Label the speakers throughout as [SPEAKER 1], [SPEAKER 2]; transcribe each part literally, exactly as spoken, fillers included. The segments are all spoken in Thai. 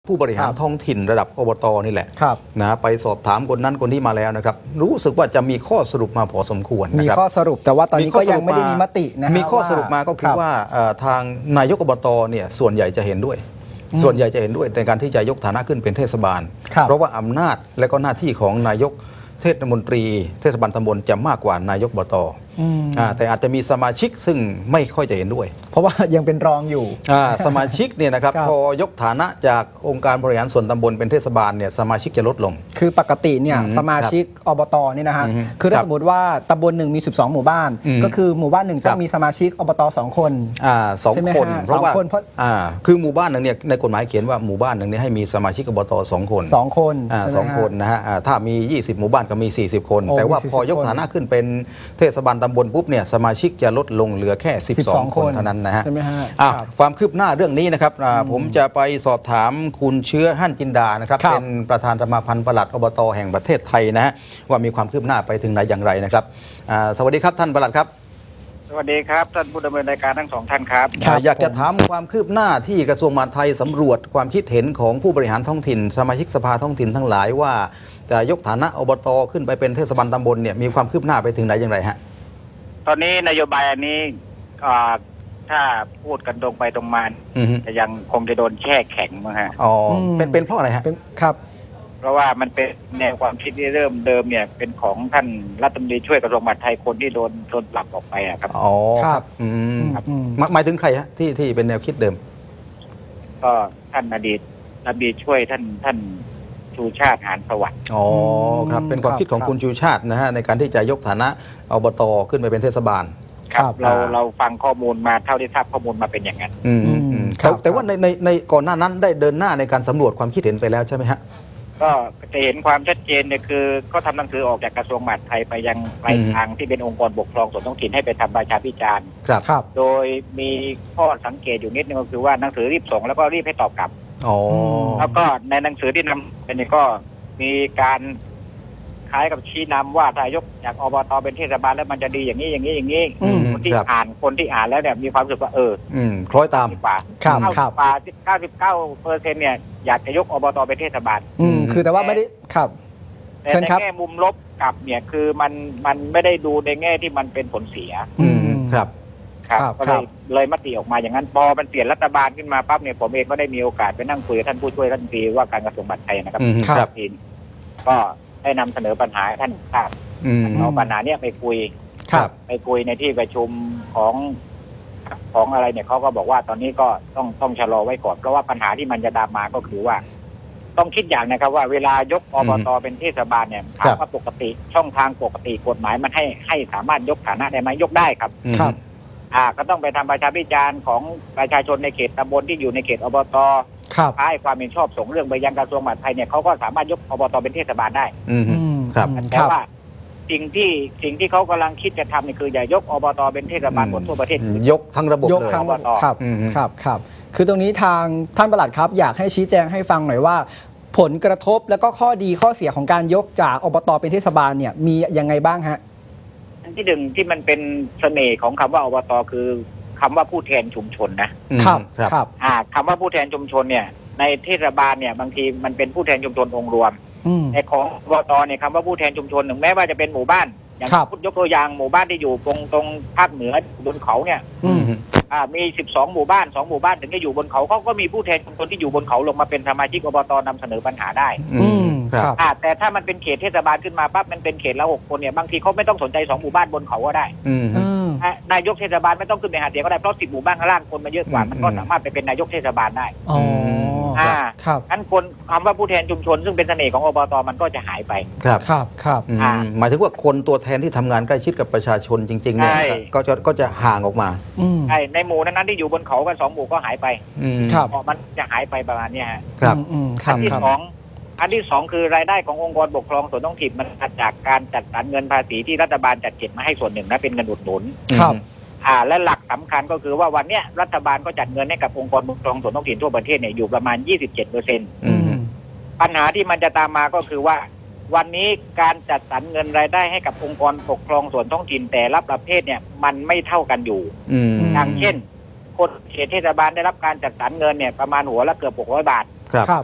[SPEAKER 1] ผู้บริหารท้องถิ่นระดับอบต.นี่แหละนะไปสอบถามคนนั้นคนที่มาแล้วนะครับรู้สึกว่าจะมีข้อสรุปมาพอสมควรนะครับ
[SPEAKER 2] มีข้อสรุปแต่ว่าตอนนี้ก็ยังไม่ได้มีมตินะ
[SPEAKER 1] มีข้อสรุปมาก็คือว่าทางนายกอบต.เนี่ยส่วนใหญ่จะเห็นด้วยส่วนใหญ่จะเห็นด้วยในการที่จะยกฐานะขึ้นเป็นเทศบาลเพราะว่าอำนาจและก็หน้าที่ของนายกเทศมนตรีเทศบาลตำบลจะมากกว่านายกอบต.แต่อาจจะมีสมาชิกซึ่งไม่ค่อยจะเห็นด้วย
[SPEAKER 2] เพราะว่ายังเป็นรองอยู่
[SPEAKER 1] สมาชิกเนี่ยนะครับพอยกฐานะจากองค์การบริหารส่วนตำบลเป็นเทศบาลเนี่ยสมาชิกจะลดลง
[SPEAKER 2] คือปกติเนี่ยสมาชิกอบต.นี่นะฮะคือถ้าสมมติว่าตำบลหนึ่งมีสิบสองหมู่บ้านก็คือหมู่บ้านหนึ่งต้องมีสมาชิกอบต.สองคน
[SPEAKER 1] สองคนเพราะว่าคือหมู่บ้านหนึ่งเนี่ยในกฎหมายเขียนว่าหมู่บ้านหนึ่งเนี่ยให้มีสมาชิกอบต.สองคน
[SPEAKER 2] สองคน
[SPEAKER 1] สองคนนะฮะถ้ามียี่สิบหมู่บ้านก็มีสี่สิบคนแต่ว่าพอยกฐานะขึ้นเป็นเทศบาลตำบลปุ๊บเนี่ยสมาชิกจะลดลงเหลือแค่สิบสองคนเท่านั้นนะฮะความคืบหน้าเรื่องนี้นะครับผมจะไปสอบถามคุณเชื้อหั่นจินดานะครับเป็นประธานสมาพันธ์ปลัดอบต.แห่งประเทศไทยนะฮะว่ามีความคืบหน้าไปถึงไหนอย่างไรนะครับสวัสดีครับท่านปลัดครับ
[SPEAKER 3] สวัสดีครับท่านผู้ดำเนินรายการทั้งสองท่านครับ
[SPEAKER 1] อยากจะถามความคืบหน้าที่กระทรวงมหาดไทยสำรวจความคิดเห็นของผู้บริหารท้องถิ่นสมาชิกสภาท้องถิ่นทั้งหลายว่าจะยกฐานะอบต.ขึ้นไปเป็นเทศบาลตำบลเนี่ยมีความคืบหน้าไปถึงไหนอย่างไรฮะ
[SPEAKER 3] ตอนนี้นโยบายอันนี้ถ้าพูดกันตรงไปตรงมาจะยังคงจะโดนแช่แข็งมั้งฮะ
[SPEAKER 1] อ๋อเป็นเป็นเพราะอะไรฮะ
[SPEAKER 2] ครับ
[SPEAKER 3] เพราะว่ามันเป็นแนวความคิดที่เริ่มเดิมเนี่ยเป็นของท่านรัฐมนตรีช่วยกระทรวงมหาดไทยคนที่โดนโดนปรับออกไปอะครับ
[SPEAKER 1] อ๋อครับอืมหมายถึงใครฮะที่ที่เป็นแนวคิดเดิม
[SPEAKER 3] ก็ท่านอดีตรัฐมนตรีช่วยท่านท่านชูชาติหานสวัสดิ์
[SPEAKER 1] อ๋อครับเป็นความคิดของคุณชูชาตินะฮะในการที่จะยกฐานะอบต.ขึ้นไปเป็นเทศบาล
[SPEAKER 3] ครับเราเราฟังข้อมูลมาเท่าที่ทราบข้อมูลมาเป็นอย่างนั้น
[SPEAKER 1] แต่แต่ว่าในในในก่อนหน้านั้นได้เดินหน้าในการสำรวจความคิดเห็นไปแล้วใช่ไหมฮะ
[SPEAKER 3] ก็จะเห็นความชัดเจนเนี่ยคือก็ทำหนังสือออกจากกระทรวงมหาดไทยไปยังปลายทางที่เป็นองค์กรปกครองส่วนท้องถิ่นให้ไปทำประชาพิจารณ์
[SPEAKER 1] ครับ
[SPEAKER 3] โดยมีข้อสังเกตอยู่นิดนึงก็คือว่าหนังสือรีบส่งแล้วก็รีบให้ตอบกลับแล้วก็ในหนังสือที่นำเป็นก็มีการคล้ายกับชี้นำว่าถ้ายกจากอบต.เป็นเทศบาลแล้วมันจะดีอย่างนี้อย่างนี้อย่างนี้คนที่อ่านคนที่อ่านแล้วเนี่ยมีความรู้สึกว่าเออ
[SPEAKER 1] คล้อยตาม
[SPEAKER 3] กว่าเก้าสิบกว่าเก้าสิบเก้าเปอร์เซ็นต์เนี่ยอยากจะยกอบต.เป็นเทศบาล
[SPEAKER 2] คือแต่ว่าไม่ได้ครับ
[SPEAKER 3] แต่ในแง่มุมลบกับเนี่ยคือมันมันไม่ได้ดูในแง่ที่มันเป็นผลเสีย
[SPEAKER 1] ครับ
[SPEAKER 3] ครับก็เลยเลยมติออกมาอย่างนั้นพอมันเปลี่ยนรัฐบาลขึ้นมาปั๊บเนี่ยผมเองก็ได้มีโอกาสไปนั่งคุยกับท่านผู้ช่วยรัฐมนตรีว่าการกระทรวงมหาดไทยนะครับ
[SPEAKER 1] ครับ
[SPEAKER 3] ก็ได้นำเสนอปัญหาท่านทราบเอาปัญหาเนี้ยไปคุยไปคุยในที่ประชุมของของอะไรเนี่ยเขาก็บอกว่าตอนนี้ก็ต้องต้องชะลอไว้ก่อนเพราะว่าปัญหาที่มันจะตามมาก็คือว่าต้องคิดอย่างนะครับว่าเวลายกอบต.เป็นเทศบาลเนี่ยถามว่าปกติช่องทางปกติกฎหมายมันให้ให้สามารถยกฐานะได้ไหมยกได้ครับ
[SPEAKER 2] ครับ
[SPEAKER 3] อ่าก็ต้องไปทำประชาพิจารณ์ของประชาชนในเขตตำบลที่อยู่ในเขตอบต.ให้ความเห็นชอบส่งเรื่องไปยังกระทรวงมหาดไทยเนี่ยเขาก็สามารถยกอบต.เป็นเทศบาลได้
[SPEAKER 1] ครับ
[SPEAKER 3] แต่ว่าสิ่งที่สิ่งที่เขากำลังคิดจะทำนี่คืออย่ายกอบต.เป็นเทศบาลหมดทั่วประเทศ
[SPEAKER 1] ยกทั้งระบบ
[SPEAKER 2] ยกทั้งอบต.ครับครับครับคือตรงนี้ทางท่านปลัดครับอยากให้ชี้แจงให้ฟังหน่อยว่าผลกระทบแล้วก็ข้อดีข้อเสียของการยกจากอบต.เป็นเทศบาลเนี่ยมียังไงบ้างฮะ
[SPEAKER 3] อันที่หนึ่งที่มันเป็นเสน่ห์ของคำว่าอบต.คือคำว่าผู้แทนชุมชน
[SPEAKER 2] นะครับครับ
[SPEAKER 3] อ่าคำว่าผู้แทนชุมชนเนี่ยในเทศบาลเนี่ยบางทีมันเป็นผู้แทนชุมชนองค์รวมในของอบต.เนี่ยคำว่าผู้แทนชุมชนถึงแม้ว่าจะเป็นหมู่บ้านอย่างพูดยกตัวอย่างหมู่บ้านที่อยู่ตรงตรงภาคเหนือบนเขาเนี่ยอ่ามีสิบสองหมู่บ้านสองหมู่บ้านถึงจะอยู่บนเขาเขาก็มีผู้แทนชุมชนที่อยู่บนเขาลงมาเป็นสมาชิกอบต.นำเสนอปัญหาได้
[SPEAKER 1] ครับ
[SPEAKER 3] แต่ถ้ามันเป็นเขตเทศบาลขึ้นมาปั๊บมันเป็นเขตละหกคนเนี่ยบางทีเขาไม่ต้องสนใจสองหมู่บ้านบนเขาก็ได้นายกเทศบาลไม่ต้องขึ้นไปหาเสียงก็ได้เพราะสิบหมู่บ้านข้างล่างคนมันเยอะกว่ามันก็สามารถไปเป็นนายกเทศบาลได้
[SPEAKER 2] อ๋อ
[SPEAKER 3] อ่าครับอันคนคำว่าผู้แทนชุมชนซึ่งเป็นเสน่ห์ของอบต.มันก็จะหายไป
[SPEAKER 1] ครับ
[SPEAKER 2] ครับครับ
[SPEAKER 1] หมายถึงว่าคนตัวแทนที่ทำงานใกล้ชิดกับประชาชนจริงๆเนี่ยก็จะก็จะห่างออกมา
[SPEAKER 3] ใช่ในหมู่นั้นที่อยู่บนเขากันสองหมู่ก็หายไป
[SPEAKER 2] ครับ
[SPEAKER 3] มันจะหายไปประมาณนี้ฮะ
[SPEAKER 1] ครับ
[SPEAKER 3] อันที่สองอันที่สองคือรายได้ขององค์กรปกครองส่วนท้องถิ่นมันมาจากการจัดสรรเงินภาษีที่รัฐบาลจัดเก็บมาให้ส่วนหนึ่งนะเป็นเงินอุดหนุน
[SPEAKER 2] ครับ
[SPEAKER 3] อ่าและหลักสำคัญก็คือว่าวันเนี้ยรัฐบาลก็จัดเงินให้กับองค์กรปกครองส่วนท้องถิ่นทั่วประเทศเนี่ยอยู่ประมาณ ยี่สิบเจ็ดเปอร์เซ็นต์ ปัญหาที่มันจะตามมาก็คือว่าวันนี้การจัดสรรเงินรายได้ให้กับองค์กรปกครองส่วนท้องถิ่นแต่ละประเภทเนี่ยมันไม่เท่ากันอยู่อย่างเช่นคนเขตเทศบาลได้รับการจัดสรรเงินเนี่ยประมาณหัวละเกือบหกร้อยบาท
[SPEAKER 1] ครับ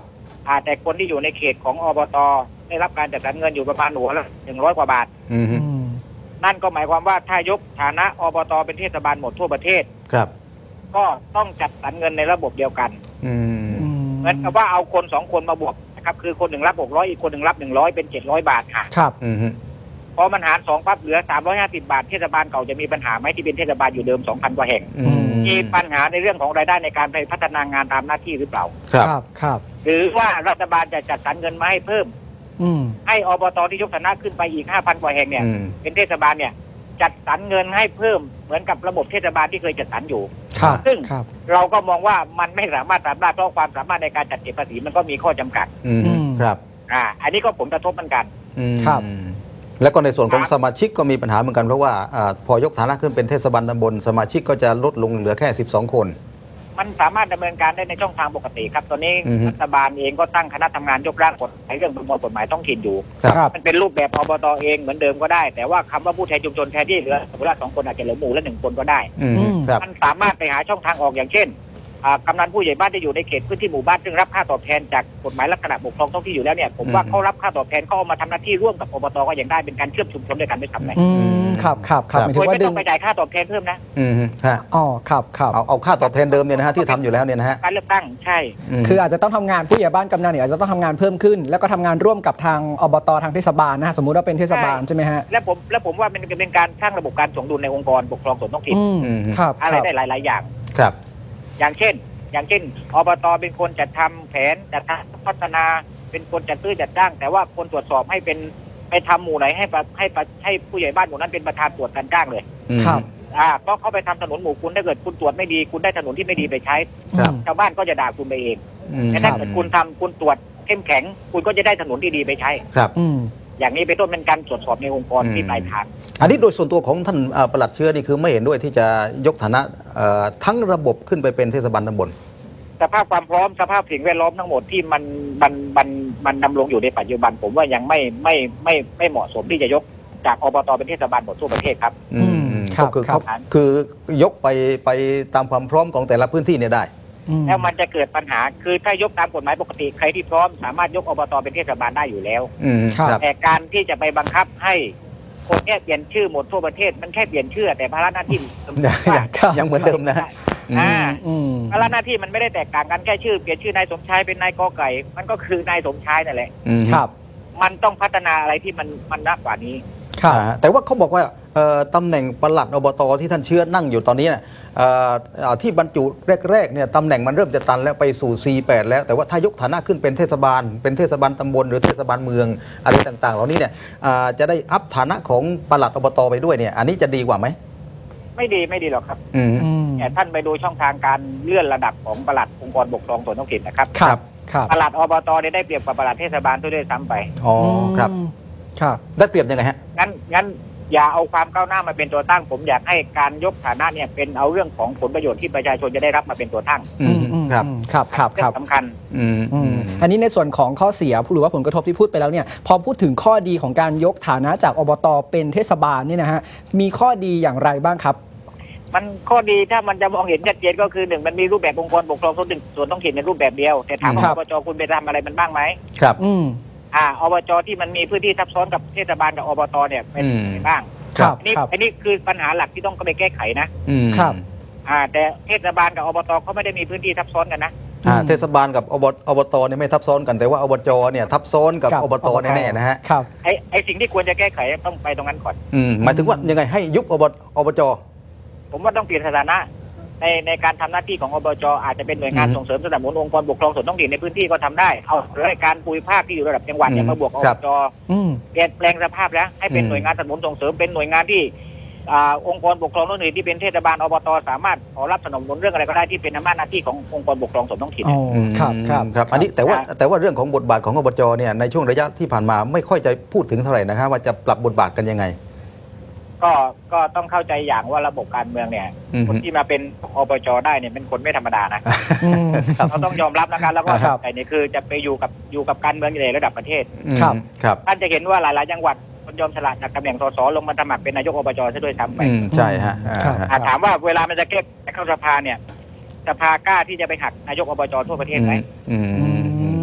[SPEAKER 3] อ่าแต่คนที่อยู่ในเขตของอบตได้รับการจัดสรรเงินอยู่ประมาณหัวละหนึ่งร้อยกว่าบาท
[SPEAKER 1] อืม
[SPEAKER 2] อืม
[SPEAKER 3] นั่นก็หมายความว่าถ้ายกฐานะอบตเป็นเทศบาลหมดทั่วประเทศ
[SPEAKER 1] ครับ
[SPEAKER 3] ก็ต้องจัดสรรเงินในระบบเดียวกัน
[SPEAKER 1] อืม
[SPEAKER 2] อืม
[SPEAKER 3] เหมือนกับว่าเอาคนสองคนมาบวกนะครับคือคนหนึ่งรับหกร้อยอีกคนหนึ่งรับหนึ่งร้อยเป็นเจ็ดร้อยบาทค่ะ
[SPEAKER 2] ครับ
[SPEAKER 1] อืม
[SPEAKER 3] พอมันหารสองปั๊บเหลือสามร้อยห้าสิบบาทเทศบาลเก่าจะมีปัญหาไหมที่เป็นเทศบาลอยู่เดิมสองพันกว่าแห่ง
[SPEAKER 1] อืม
[SPEAKER 3] มีปัญหาในเรื่องของรายได้ในการไปพัฒนางานตามหน้าที่หรือเปล่า
[SPEAKER 1] ครับ
[SPEAKER 2] ครับครับ
[SPEAKER 3] หรือว่ารัฐบาลจะจัดสรรเงินมาให้เพิ่ม
[SPEAKER 2] อืม
[SPEAKER 3] ให้อบตที่ยกฐานะขึ้นไปอีกห้าพันกว่าแห่งเนี่ย
[SPEAKER 1] อืม
[SPEAKER 3] เป็นเทศบาลเนี่ยจัดสรรเงินให้เพิ่มเหมือนกับระบบเทศบาลที่เคยจัดสรรอยู่
[SPEAKER 2] ครับ
[SPEAKER 3] ซึ่ง
[SPEAKER 2] ครับ
[SPEAKER 3] เราก็มองว่ามันไม่สามารถทำได้เพราะความสามารถในการจัดเก็บภาษีมันก็มีข้อจำกัด
[SPEAKER 1] อืม
[SPEAKER 2] อืม
[SPEAKER 1] ครับ
[SPEAKER 3] อ่าอันนี้ก็ผลกระทบเหมือนกัน
[SPEAKER 1] อืม
[SPEAKER 2] ครับ
[SPEAKER 1] แล้วก็ในส่วนของ
[SPEAKER 3] ครับ
[SPEAKER 1] สมาชิกก็มีปัญหาเหมือนกันเพราะว่าอาพอยกฐานะขึ้นเป็นเทศบาลตำบลสมาชิกก็จะลดลงเหลือแค่สิบสองคน
[SPEAKER 3] มันสามารถดำเนินการได้ในช่องทางปกติครับตอนนี้
[SPEAKER 1] อือฮึ
[SPEAKER 3] รัฐบาลเองก็ตั้งคณะทำงานยกร่างกฎหมายเรื่องประมวลกฎหมายท้องถิ่นอยู่
[SPEAKER 1] ครับ
[SPEAKER 2] ครับ
[SPEAKER 3] มันเป็นรูปแบบอบตเองเหมือนเดิมก็ได้ แต่ว่าคำว่าผู้แทนชุมชนแทนที่เหลือสมมติว่าสองคนอาจจะเหลือหมู่ละหนึ่งคนก็ได้
[SPEAKER 1] อืม
[SPEAKER 2] อืม
[SPEAKER 1] ครับ
[SPEAKER 3] มันสามารถไปหาช่องทางออกอย่างเช่นอ่ากำนันผู้ใหญ่บ้านที่อยู่ในเขตพื้นที่หมู่บ้านซึ่งรับค่าตอบแทนจากกฎหมายลักษณะปกครองท้องที่อยู่แล้วเนี่ยผมว่า
[SPEAKER 1] อืม
[SPEAKER 3] เขารับค่าตอบแทนเขาเอามาทำหน้าที่ร่วมกับอบตก็ยังได้เป็นการเชื่อมชุมชนด้วยกันไม่ทำไง
[SPEAKER 2] อืมครับครับครับหมาย
[SPEAKER 3] โด
[SPEAKER 2] ถึ
[SPEAKER 3] ย
[SPEAKER 2] งว่า
[SPEAKER 3] ไม่
[SPEAKER 2] ดึ
[SPEAKER 3] ต้อง งไปจ่ายค่าตอบแทนเพิ่มนะ
[SPEAKER 1] อืมฮะ
[SPEAKER 2] อ๋อครับครับ
[SPEAKER 1] เอาเอาค่าตอบแทนเดิมเนี่ยนะฮะที่ทำอยู่แล้วเนี่ยนะฮะ
[SPEAKER 3] การเลือกตั้งใช่
[SPEAKER 1] ม
[SPEAKER 2] คืออาจจะต้องทำงานผู้ใหญ่บ้านกำนันเนี่ยอาจจะต้องทำงานเพิ่มขึ้น แล้วก็ทำงานร่วมกับทางอบตทางเทศบาลนะฮะสมมุติว่าเป็นเทศบาลใช่ไหมฮะ
[SPEAKER 3] และผมและผมว่ามันเป็นการสร้างระบบการสมดุลในองค์กรปกครองส่วนท้องถิ่น
[SPEAKER 2] อืม
[SPEAKER 1] อืม
[SPEAKER 2] ครับ
[SPEAKER 3] อะไร
[SPEAKER 2] ครับ
[SPEAKER 3] ได้หลาย ๆ อย่าง
[SPEAKER 1] ครับ
[SPEAKER 3] อย่างเช่น อย่างเช่นอบตเป็นคนจัดทำแผนจัดทำพัฒนาเป็นคนจัดซื้อจัดจ้าง แต่ว่าคนตรวจสอบให้เป็นไปทำหมู่ไหนให้ประให้ประให้ผู้ใหญ่บ้านหมู่นั้นเป็นประธานตรวจการจ้างเลย
[SPEAKER 1] อืม
[SPEAKER 2] ครับ
[SPEAKER 3] อ่าเพราะเขาไปทำถนนหมู่คุณถ้าเกิดคุณตรวจไม่ดีคุณได้ถนนที่ไม่ดีไปใช้
[SPEAKER 1] ครับ
[SPEAKER 3] ชาวบ้านก็จะด่าคุณไปเอง
[SPEAKER 1] อืม
[SPEAKER 3] แต่
[SPEAKER 1] ค
[SPEAKER 3] ถ้า
[SPEAKER 1] รับ
[SPEAKER 3] เกิดคุณทำคุณตรวจเข้มแข็ง คุณก็จะได้ถนนที่ดีไปใช้
[SPEAKER 1] ครับ
[SPEAKER 2] อืม
[SPEAKER 3] อย่างนี้เป็นต้นเป็นการตรวจสอบในองค์กร
[SPEAKER 1] อืม
[SPEAKER 3] ที่ปลายทาง
[SPEAKER 1] อันนี้โดยส่วนตัวของท่านเอ่อปลัดเชื้อนี่คือไม่เห็นด้วยที่จะยกฐานะเอ่อทั้งระบบขึ้นไปเป็นเทศบาลตำบล
[SPEAKER 3] สภาพความพร้อมสภาพสิ่งแวดล้อมทั้งหมดที่มันมันมันมันดำรงอยู่ในปัจจุบัน ผมว่ายังไม่ไม่ไม่ไม่เหมาะสมที่จะยกจากอบตเป็นเทศบาลหมดทั่วประเทศครับ
[SPEAKER 1] อืม
[SPEAKER 2] อืมครับ
[SPEAKER 1] ก็คือ
[SPEAKER 2] ครับ
[SPEAKER 1] เขาคือยกไปไปตามความพร้อมของแต่ละพื้นที่เนี่ยได้
[SPEAKER 2] อืม
[SPEAKER 3] แล้วมันจะเกิดปัญหาคือถ้ายกตามกฎหมายปกติใครที่พร้อมสามารถยกอบตเป็นเทศบาลได้อยู่แล้ว
[SPEAKER 1] อืม
[SPEAKER 2] ครับ
[SPEAKER 1] ครับ
[SPEAKER 3] แต่การที่จะไปบังคับให้คนเนี้ยเปลี่ยนชื่อหมดทั่วประเทศมันแค่เปลี่ยนชื่อแต่ภาระหน้าที่
[SPEAKER 1] ยังยังเหมือนเดิมนะฮะ
[SPEAKER 3] อ่า
[SPEAKER 2] อืม
[SPEAKER 3] ภาระหน้าที่มันไม่ได้แตกต่างกันแค่ชื่อเปลี่ยนชื่อนายสมชายเป็นนายกอไก่ มันก็คือนายสมชายนั่นแหละ
[SPEAKER 1] อืม
[SPEAKER 2] ครับ
[SPEAKER 3] มันต้องพัฒนาอะไรที่มันมันมากกว่านี้
[SPEAKER 2] ครับ
[SPEAKER 1] อ่าแต่ว่าเขาบอกว่าเอ่อตำแหน่งปลัดอบตที่ท่านเชื้อนั่งอยู่ตอนนี้เนี่ยเอ่อเอ่อที่บรรจุแรกๆเนี่ยตำแหน่งมันเริ่มจะตันแล้วไปสู่ ซี แปด แล้วแต่ว่าถ้ายกฐานะขึ้นเป็นเทศบาล เป็นเทศบาลตำบลหรือเทศบาลเมืองอะไรต่างๆ เหล่านี้เนี่ยอ่าจะได้อัพฐานะของปลัดอบตไปด้วยเนี่ยอันนี้จะดีกว่าไหม
[SPEAKER 3] ไม่ดีไม่ดีหรอกครับ
[SPEAKER 1] อืม
[SPEAKER 2] อืม
[SPEAKER 3] แต่ท่านไปดูช่องทางการเลื่อนระดับของปลัดองค์กรปกครองส่วนท้องถิ่นนะครับ
[SPEAKER 2] ครับครับ
[SPEAKER 3] ปลัดอบตเนี่ยได้เปรียบกว่าปลัดเทศบาลด้วยซ้ำไป
[SPEAKER 1] อ๋อครับ
[SPEAKER 2] อืมครับ
[SPEAKER 1] ได้เปรียบยังไงฮะ
[SPEAKER 3] งั้นงั้นอย่าเอาความก้าวหน้ามาเป็นตัวตั้ง ผมอยากให้การยกฐานะเนี่ยเป็นเอาเรื่องของผลประโยชน์ที่ประชาชนจะได้รับมาเป็นตัวตั้ง
[SPEAKER 1] อืมครับ
[SPEAKER 2] อืมครับครับครับ
[SPEAKER 3] เรื่องสำคัญ
[SPEAKER 1] อืม
[SPEAKER 2] อื
[SPEAKER 1] อื
[SPEAKER 2] ม
[SPEAKER 1] ม
[SPEAKER 2] อันนี้ในส่วนของข้อเสียหรือว่าผลกระทบที่พูดไปแล้วเนี่ยพอพูดถึงข้อดีของการยกฐานะจากอบตเป็นเทศบาลเนี่ยนะฮะมีข้อดีอย่างไรบ้างครับ
[SPEAKER 3] มันข้อดีถ้ามันจะมองเห็นชัดเจนก็คือหนึ่งมันมีรูปแบบองค์กรปกครองส่วนหนึ่งส่วนท้องถิ่นในรูปแบบเดียวแต่ถามว่า
[SPEAKER 2] ครั
[SPEAKER 3] อบ บจคุณไปทำอะไรมันบ้างไหม
[SPEAKER 1] ครับ
[SPEAKER 2] อืม
[SPEAKER 3] อ่าอบจที่มันมีพื้นที่ทับซ้อนกับเทศบาลกับอบตเนี่ยเป็น
[SPEAKER 1] อืม
[SPEAKER 3] ยังไงบ้าง
[SPEAKER 2] ครับ
[SPEAKER 3] อันนี้
[SPEAKER 2] ครับ
[SPEAKER 3] อันนี้คือปัญหาหลักที่ต้องไปแก้ไขนะ
[SPEAKER 1] อืม
[SPEAKER 2] ครับ
[SPEAKER 3] อ่าแต่เทศบาลกับอบตเขาไม่ได้มีพื้นที่ทับซ้อนกันนะ
[SPEAKER 1] อ่า
[SPEAKER 2] อืม
[SPEAKER 1] เทศบาลกับอบอบตเนี่ยไม่ทับซ้อนกันแต่ว่าอบจเนี่ยทับซ้อนกับ
[SPEAKER 2] กับ
[SPEAKER 1] อบต
[SPEAKER 2] อบต
[SPEAKER 1] แน่ๆนะฮะ
[SPEAKER 2] ครับ
[SPEAKER 3] ไอ้ไอ้สิ่งที่ควรจะแก้ไขต้องไปตรงนั้นก่อน
[SPEAKER 1] อืมหมายถึงว่ายังไงให้ยุบอบอบจ
[SPEAKER 3] ผมว่าต้องเปลี่ยนสถานะในในการทำหน้าที่ของอบจอาจจะเป็นหน่วยงาน
[SPEAKER 1] อืม
[SPEAKER 3] ส่งเสริมสนับสนุนองค์กรปกครองส่วนท้องถิ่นในพื้นที่ก็ทำได้เอารายการภูมิภาคที่อยู่ระดับจังหวัดเนี่ย
[SPEAKER 1] อืม
[SPEAKER 3] มาบวกอ
[SPEAKER 1] ครับ บ
[SPEAKER 3] จ
[SPEAKER 2] อืม
[SPEAKER 3] เปลี่ยนแปลงสภาพแล้วให้เป็น
[SPEAKER 1] อืม
[SPEAKER 3] หน่วยงานสนับสนุนส่งเสริมเป็นหน่วยงานที่อ่าองค์กรปกครองท้องถิ่นที่เป็นเทศบาลอบตสามารถขอรับสนับสนุนเรื่องอะไรก็ได้ที่เป็นอำนาจหน้าที่ขององค์กรปกครองส่วนท้องถิ่น
[SPEAKER 2] อ๋อครับครับ
[SPEAKER 1] ครับอันนี้แต่ว่าแต่ว่าเรื่องของบทบาทของอบจเนี่ยในช่วงระยะที่ผ่านมาไม่ค่อยจะพูดถึงเท่าไหร่นะครับว่าจะปรับบทบาทกันยังไง
[SPEAKER 3] ก็ก็ต้องเข้าใจอย่างว่าระบบการเมืองเนี่ย
[SPEAKER 1] อืม
[SPEAKER 3] คนที่มาเป็นอบจได้เนี่ยเป็นคนไม่ธรรมดานะ
[SPEAKER 2] อืม
[SPEAKER 3] เราต้องยอมรับนะครับแล้วก็
[SPEAKER 2] ครับ
[SPEAKER 3] แต่นี่คือจะไปอยู่กับอยู่กับการเมืองในระดับประเทศ
[SPEAKER 2] ครับ
[SPEAKER 1] ครับ
[SPEAKER 3] ท่านจะเห็นว่าหลาย ๆ จังหวัดคนยอมสละจากตำแหน่งสสลงมาสมัครเป็นนายกอบจซะด้วยซ้ำไป
[SPEAKER 1] อืมใช่ฮะอ่า
[SPEAKER 2] ครับ
[SPEAKER 3] อ่าถามว่าเวลามันจะแก้เข้าสภาเนี่ยสภากล้าที่จะไปหักนายกอบจทั่วประเทศไหม
[SPEAKER 1] อืม
[SPEAKER 2] อื
[SPEAKER 1] อืม
[SPEAKER 2] ม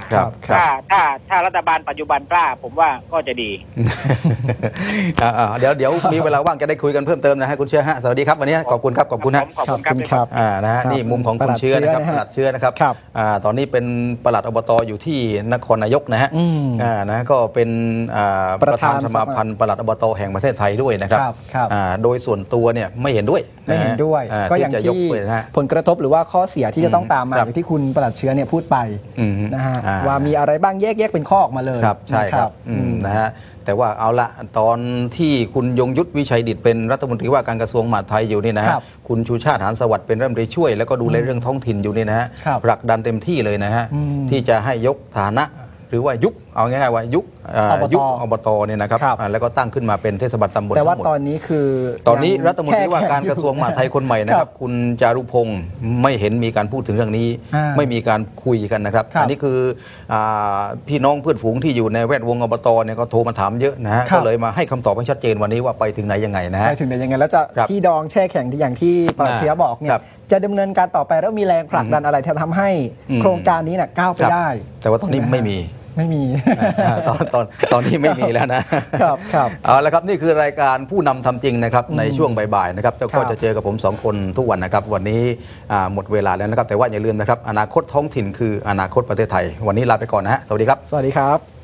[SPEAKER 1] ครับครั
[SPEAKER 3] ถ้า
[SPEAKER 1] บ
[SPEAKER 3] ถ้าถ้ารัฐบาลปัจจุบันกล้าผมว่าก็จะดี
[SPEAKER 1] อ่าๆเดี๋ยวเดี๋ยวมีเวลาว่างจะได้คุยกันเพิ่มเติมนะฮะคุณเชื้อฮะสวัสดีครับวันนี้ขอบคุณครับขอบคุณฮะ
[SPEAKER 3] ขอบคุณครับ
[SPEAKER 2] ครับ
[SPEAKER 1] อ่านะฮะนี่มุมของคุณเชื้อนะครับป
[SPEAKER 2] ปลั
[SPEAKER 1] ลัด
[SPEAKER 2] ดเชื้
[SPEAKER 1] เชื้อ
[SPEAKER 2] อ
[SPEAKER 1] นะครับ
[SPEAKER 2] ครับ
[SPEAKER 1] อ่าตอนนี้เป็นปลัดอบตอยู่ที่นครนายกนะฮะ
[SPEAKER 2] อืม
[SPEAKER 1] อ่านะก็เป็นอ่า
[SPEAKER 2] ป
[SPEAKER 1] ประ ระ
[SPEAKER 2] ธา
[SPEAKER 1] ธาน นสมาพันธ์ปลัดอบตแห่งประเทศไทยด้วยนะครับ
[SPEAKER 2] ครับครับ
[SPEAKER 1] อ่าโดยส่วนตัวเนี่ยไม่เห็นด้วยะฮะ
[SPEAKER 2] ไม่เห็นด้วย
[SPEAKER 1] อ่
[SPEAKER 2] ก็อย่าง
[SPEAKER 1] จะยก
[SPEAKER 2] ที่
[SPEAKER 1] ไปนะฮะ
[SPEAKER 2] ผลกระทบหรือว่าข้อเสียที่จะต้องตามมา
[SPEAKER 1] ครับ
[SPEAKER 2] อย่างที่คุณปลัดเชื้อเนี่ยพูดไป
[SPEAKER 1] อืม
[SPEAKER 2] นะฮะ
[SPEAKER 1] อ่า
[SPEAKER 2] ว่ามีอะไรบ้างแยกแยกเป็นข้อออกมาเลย
[SPEAKER 1] ครับใช่ครับ
[SPEAKER 2] นะ
[SPEAKER 1] อืมนะฮะแต่ว่าเอาละตอนที่คุณยงยุทธวิชัยดิษฐ์เป็นรัฐมนตรีว่าการกระทรวงมหาดไทยอยู่นี่นะฮะ
[SPEAKER 2] ครับ
[SPEAKER 1] คุณชูชาติหานสวัสดิ์เป็นรัฐมนตรีช่วยแล้วก็ดูแลเรื่องท้องถิ่นอยู่นี่นะฮะ
[SPEAKER 2] ครับ
[SPEAKER 1] ผลักดันเต็มที่เลยนะฮะ
[SPEAKER 2] อืม
[SPEAKER 1] ที่จะให้ยกฐานะหรือว่ายุบเอาง่ายๆว่ายุบอ่า
[SPEAKER 2] อบต
[SPEAKER 1] ยุบอบตเนี่ยนะครับ
[SPEAKER 2] ครับ
[SPEAKER 1] อ่าแล้วก็ตั้งขึ้นมาเป็นเทศบาลตำบล
[SPEAKER 2] แต่ว่า
[SPEAKER 1] ทั้งหมด
[SPEAKER 2] ตอนนี้คือ
[SPEAKER 1] ตอนนี้
[SPEAKER 2] ยัง
[SPEAKER 1] รัฐมนตรีว่าการกระทรวงมหาดไทยคนใหม่นะค
[SPEAKER 2] ครั
[SPEAKER 1] รับบ คุณจารุพงศ์ไม่เห็นมีการพูดถึงเรื่องนี้
[SPEAKER 2] อ่า
[SPEAKER 1] ไม่มีการคุยกันนะครับ
[SPEAKER 2] ครับ
[SPEAKER 1] อันนี้คืออาพี่น้องเพื่อนฝูงที่อยู่ในแวดวงอบตเนี่ยก็โทรมาถามเยอะนะฮะ
[SPEAKER 2] ครับ
[SPEAKER 1] ก็เลยมาให้คำตอบให้ชัดเจนวันนี้ว่าไปถึงไหนยังไงนะฮะ
[SPEAKER 2] ไปถึงไหนยังไงแล้วจะ
[SPEAKER 1] ครับ
[SPEAKER 2] ที่ดองแช่แข็งที่อย่างที่ปลัดเชื้อบอกเนี่
[SPEAKER 1] ครั
[SPEAKER 2] ย
[SPEAKER 1] บ
[SPEAKER 2] จะดำเนินการต่อไปแล้วมีแรงผลักดันอะไรที่ทำให้
[SPEAKER 1] อืม
[SPEAKER 2] โครงการนี้น่ะก้าวไป
[SPEAKER 1] ครับ
[SPEAKER 2] ได้
[SPEAKER 1] แต่ว่าตอนนี้
[SPEAKER 2] ใช่ห
[SPEAKER 1] ไม่มี
[SPEAKER 2] ไม่มี
[SPEAKER 1] อ่าตอนตอนตอนนี้ไม่มีแล้วนะครับ
[SPEAKER 2] ครับ
[SPEAKER 1] เอาละครับนี่คือรายการผู้นำทำจริงนะครับในช่วงบ่ายๆนะครับแล้วก็
[SPEAKER 2] ครับ
[SPEAKER 1] จะเจอกับผมสองคนทุกวันนะครับวันนี้อ่าหมดเวลาแล้วนะครับแต่ว่าอย่าลืมนะครับอนาคตท้องถิ่นคืออนาคตประเทศไทย วันนี้ลาไปก่อนนะฮะสวัสดีครับ
[SPEAKER 2] สวัสดีครับ